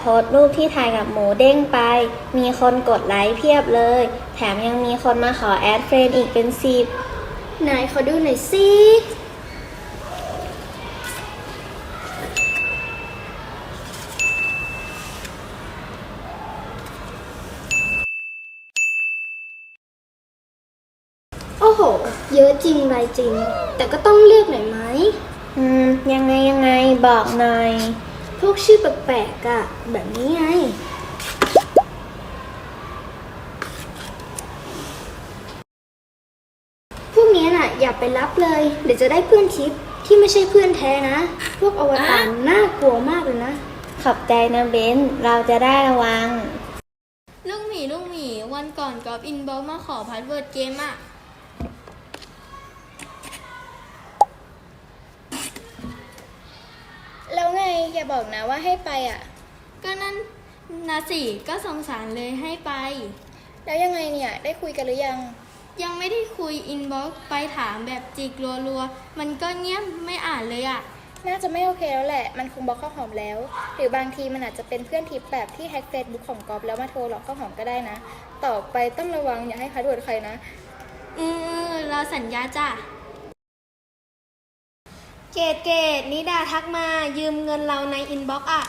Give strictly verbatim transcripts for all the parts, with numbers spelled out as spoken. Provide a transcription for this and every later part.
สต์รูปที่ถ่ายกับหมูเด้งไป มีคนกดไลค์เพียบเลย แถมยังมีคนมาขอแอดเฟรนด์อีกเป็นสิบไหนขอดูหน่อยสิโอ้โหเยอะจริงไรจริงแต่ก็ต้องเลือกหน่อยไหมอืมยังไงยังไงบอกหน่อยพวกชื่อแปลกๆอะแบบนี้ไงพวกนี้น่ะอย่าไปรับเลยเดี๋ยวจะได้เพื่อนทิปที่ไม่ใช่เพื่อนแท้นะพวกอวตารน่ากลัวมากเลยนะขอบใจนะเบนเราจะได้ระวังลูกหมีลูกหมีวันก่อนกอล์ฟอินบ็อกมาขอพาสเวิร์ดเกมอะแล้วไงอย่าบอกนะว่าให้ไปอ่ะก็นั่นนะสิก็สงสารเลยให้ไปแล้วยังไงเนี่ยได้คุยกันหรือยังยังไม่ได้คุยอินบ็อกไปถามแบบจิกรัวๆมันก็เงียบไม่อ่านเลยอะน่าจะไม่โอเคแล้วแหละมันคงบล็อกข้าวหอมแล้วหรือบางทีมันอาจจะเป็นเพื่อนทิปแบบที่แฮ็กเฟซบุ๊กของกอล์ฟแล้วมาโทรหลอกข้าวหอมก็ได้นะต่อไปต้องระวังอย่าให้พาสเวิร์ดใครนะอือเราสัญญาจ้ะเกดเกดนิดาทักมายืมเงินเราในอินบ็อกซ์อะ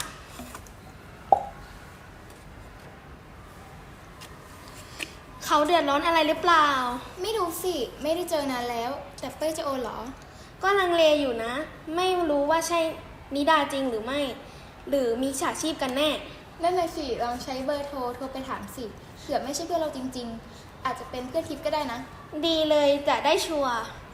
เขาเดือดร้อนอะไรหรือเปล่าไม่รู้สิไม่ได้เจอนานแล้วแต่เป้ยจะโอนเหรอก็ลังเลอยู่นะไม่รู้ว่าใช่นิดาจริงหรือไม่หรือมีฉาชีพกันแน่นั่นเลยสิลองใช้เบอร์โทรโทรไปถามสิเผื่อไม่ใช่เพื่อนเราจริงๆอาจจะเป็นเพื่อนทิปก็ได้นะดีเลยจะได้ชัวร์